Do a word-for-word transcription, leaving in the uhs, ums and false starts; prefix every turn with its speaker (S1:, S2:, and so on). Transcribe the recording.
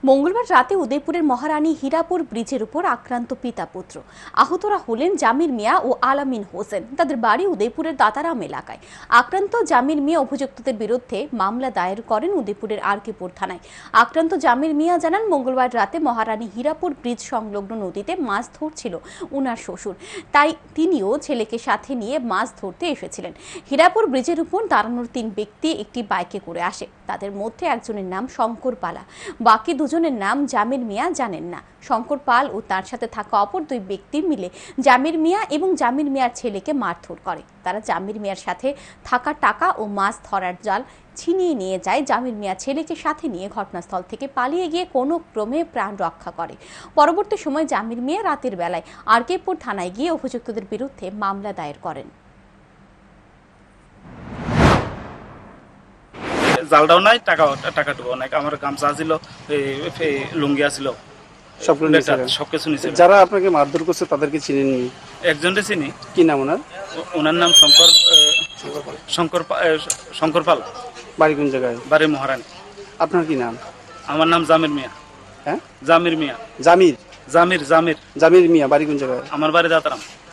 S1: মঙ্গলবার রাতে উদয়পুরের মহারানী হীরাপুর ব্রিজের উপর আক্রান্ত পিতা পুত্র। আহতরা হলেন জামির মিয়া ও আলামিন হোসেন। তাদের বাড়ি উদয়পুরের দাতারাম এলাকায়। আক্রান্ত জামির মিয়া অভিযুক্তদের বিরুদ্ধে মামলা দায়ের করেন উদয়পুরের আরকিপুর থানায়। আক্রান্ত জামির মিয়া জানান, মঙ্গলবার রাতে মহারানী হীরাপুর ব্রিজ সংলগ্ন নদীতে মাছ ধরছিল উনার শ্বশুর, তাই তিনিও ছেলেকে সাথে নিয়ে মাছ ধরতে এসেছিলেন। হীরাপুর ব্রিজের উপর দাঁড়ানোর তিন ব্যক্তি একটি বাইকে করে আসে। তাদের মধ্যে একজনের নাম শঙ্কর পালা, বাকি দুজনের নাম জামির মিয়া জানেন না। শঙ্কর পাল ও তার সাথে থাকা অপর দুই ব্যক্তি মিলে জামির মিয়া এবং জামির মিয়ার ছেলেকে মারধর করে। তারা জামির মিয়ার সাথে থাকা টাকা ও মাছ ধরার জাল ছিনিয়ে নিয়ে যায়। জামির মিয়া ছেলেকে সাথে নিয়ে ঘটনাস্থল থেকে পালিয়ে গিয়ে কোনো ক্রমে প্রাণ রক্ষা করে। পরবর্তী সময় জামির মিয়া রাতের বেলায় আরকিপুর থানায় গিয়ে অভিযুক্তদের বিরুদ্ধে মামলা দায়ের করেন।
S2: জালটাও নাই, টাকা টাকাটুকুও নাই। আমার গামছা ছিল, লুঙ্গি আছিল, সবকিছু নিছে।
S3: যারা আপনাকে মারধর করছে তাদেরকে চিনেননি?
S2: একজনকে চিনি।
S3: কি নাম ওনার?
S2: ওনার নাম শঙ্কর শঙ্কর শঙ্কর পাল।
S3: বাড়ি কোন জায়গায়?
S2: বাড়ি মহারানী।
S3: আপনার কি নাম?
S2: আমার নাম জামির মিয়া।
S3: হ্যাঁ,
S2: জামির মিয়া।
S3: জামির
S2: জামির জামির
S3: জামির মিয়া। বাড়ি কোন জায়গায়?
S2: আমার বাড়ি দাতারাম।